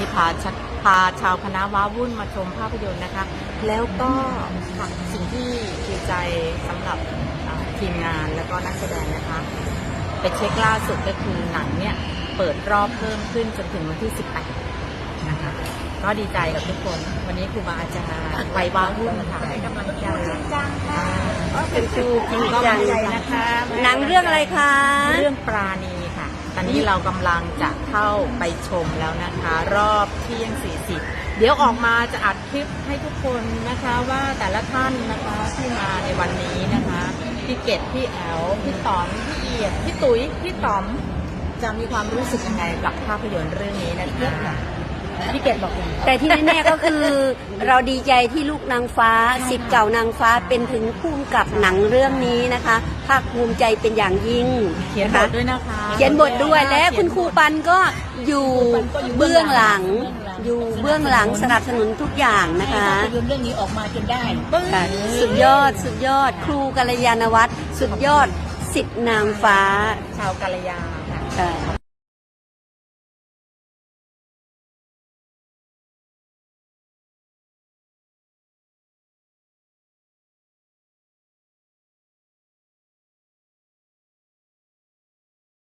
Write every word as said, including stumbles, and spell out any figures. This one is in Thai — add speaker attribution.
Speaker 1: พาพาชาวคณะว้าวุ่นมาชมภาพยนตร์นะคะแล้วก็ค่ะสิ่งที่ดีใจสำหรับทีมงานแล้วก็นักแสดงนะคะไปเช็คล่าสุดก็คือหนังเนี่ยเปิดรอบเพิ่มขึ้นจนถึงวันที่สิบแปดนะคะก็ดีใจกับทุกคนวันนี้ครูบาอาจารย์ไปว้าวุ่นค่ะให้กำลังใจจังค่ะเป็นครูจริงจังนะคะ
Speaker 2: หนังเรื่องอะไรคะ
Speaker 1: เรื่องปราณีค่ะตอนนี้เรากำลังจะเข้าไปชมแล้วนะคะรอบเที่ยงสี่สิบเดี๋ยวออกมาจะอัดคลิปให้ทุกคนนะคะว่าแต่ละท่านนะคะที่มาในวันนี้นะคะพี่เกดพี่แอลพี่ต๋อมพี่เอียดพี่ตุ๋ยพี่ต๋อมจะมีความรู้สึกยังไงกับภาพยนตร์เรื่องนี้นะคะพี่เกดบอก
Speaker 2: แต่ที่แน่ๆก็คือเราดีใจที่ลูกนางฟ้าศิษย์เก่านางฟ้าเป็นถึงผู้กำกับหนังเรื่องนี้นะคะภาคภูมิใจเป็นอย่างยิ่ง
Speaker 1: เขียนบทด้วยนะคะ
Speaker 2: เขียนบทด้วยและคุณครูปันก็อยู่เบื้องหลังอยู่เบื้องหลังสนับสนุนทุกอย่างนะคะ
Speaker 3: ภาพยนตร์เรื่องนี้ออกมาจนได้
Speaker 2: สุดยอดสุดยอดครูกัลยาณวัฒน์สุดยอดศิษย์นางฟ้า
Speaker 1: ชาวกัลยาค่ะ